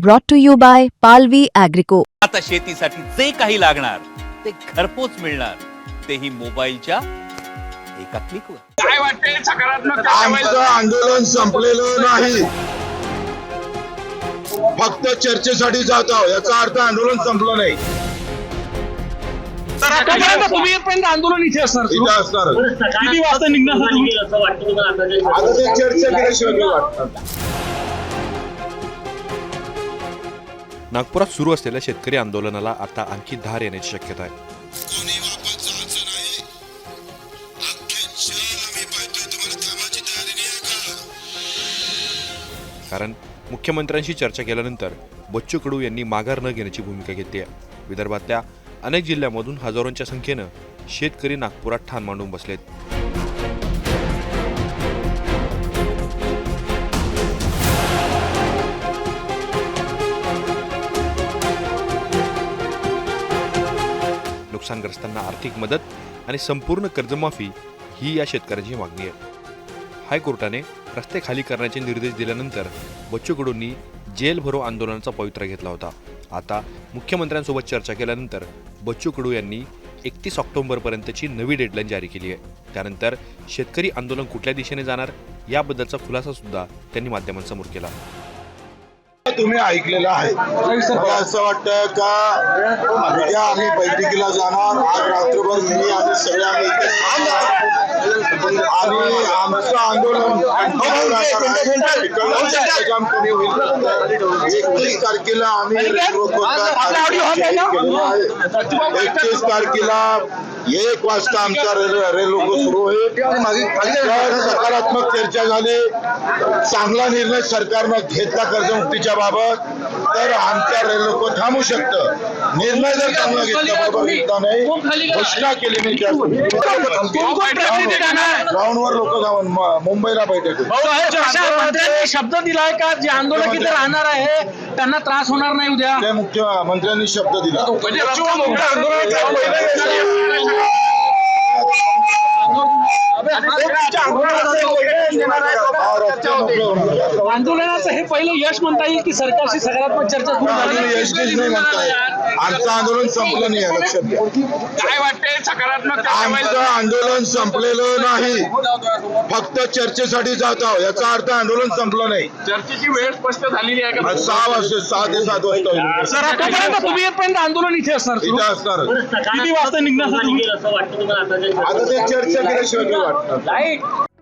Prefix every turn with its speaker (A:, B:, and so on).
A: brought to you by Palvi Agrico.
B: आता शेतीसाठी जे काही लागणार ते घरपोच मिळणार, तेही मोबाईलच्या एका क्लिकवर.
C: काय वाटते सकारात्मक
D: आमचं आंदोलन संपलेलं नाही, फक्त चर्चेसाठी जात आहोत, याचा अर्थ आंदोलन संपलं नाही.
C: तर आतापर्यंत तुम्ही येतपर्यंत आंदोलन इथे असणार सुरू.
D: इथे असणार
C: किती वाजता निघणार तुम्ही?
D: आता ते चर्चा केल्याशिवाय नाही वाटणार.
E: नागपुरात सुरू असलेल्या शेतकरी आंदोलनाला आता आणखी धार येण्याची शक्यता आहे. कारण मुख्यमंत्र्यांशी चर्चा केल्यानंतर बच्चू कडू यांनी माघार न घेण्याची भूमिका घेतली आहे. विदर्भातल्या अनेक जिल्ह्यांमधून हजारोंच्या संख्येनं शेतकरी नागपुरात ठाण मांडून बसलेत. नुकसानग्रस्तांना आर्थिक मदत आणि संपूर्ण कर्जमाफी ही या शेतकऱ्यांची मागणी आहे. हायकोर्टाने रस्ते खाली करण्याचे निर्देश दिल्यानंतर बच्चू कडूंनी जेल भरो आंदोलनाचा पवित्रा घेतला होता. आता मुख्यमंत्र्यांसोबत चर्चा केल्यानंतर बच्चू कडू यांनी 31 ऑक्टोबरपर्यंतची नवी डेडलाईन जारी केली आहे. त्यानंतर शेतकरी आंदोलन कुठल्या दिशेने जाणार याबद्दलचा खुलासा सुद्धा त्यांनी माध्यमांसमोर केला.
D: तुम्ही ऐकलेलं आहे. मला असं वाटतं का उद्या आम्ही बैठकीला जाणार, आज रात्रभर मी आम्ही सगळे आम्ही इथे आणि आमचं आंदोलन 31 तारखेला आम्ही 31 तारखेला 1 वाजता आमचा रेल्वे सुरू होईल. सकारात्मक चर्चा झाली, चांगला निर्णय सरकारनं घेतला कर्जमुक्तीच्या बाबत, तर आमच्या रेल्वे थांबू शकतं. निर्णय जर चांगला घेतला नाही, घोषणा केली नाही, ग्राउंडवर लोक जाऊन मुंबईला बैठक.
C: मंत्र्यांनी शब्द दिलाय का जे आंदोलक इथे राहणार आहे त्यांना त्रास होणार नाही उद्या?
D: ते मुख्यमंत्र्यांनी शब्द दिला.
C: आंदोलनाचं हे पहिलं यश म्हणता येईल की सरकारशी सकारात्मक चर्चा सुरू झाली?
D: यशच नाही म्हणताय, आमचं आंदोलन संपलं नाही आहे, लक्षात घ्या.
C: काय वाटते सकारात्मक
D: आमचं आंदोलन संपलेलं नाही, फक्त चर्चेसाठी जात आहोत, याचा अर्थ आंदोलन संपलं नाही.
C: चर्चेची वेळ स्पष्ट झालेली आहे का?
D: 6 वाजता 6 ते 7 वाजता होईल.
C: सर आतापर्यंत तुम्ही येतपर्यंत आंदोलन इथे असणार सुरू.
D: इथे असणार.
C: किती वाजता निघणार तुम्ही?
D: आता ते चर्चा केल्याशिवाय नाही वाटणार.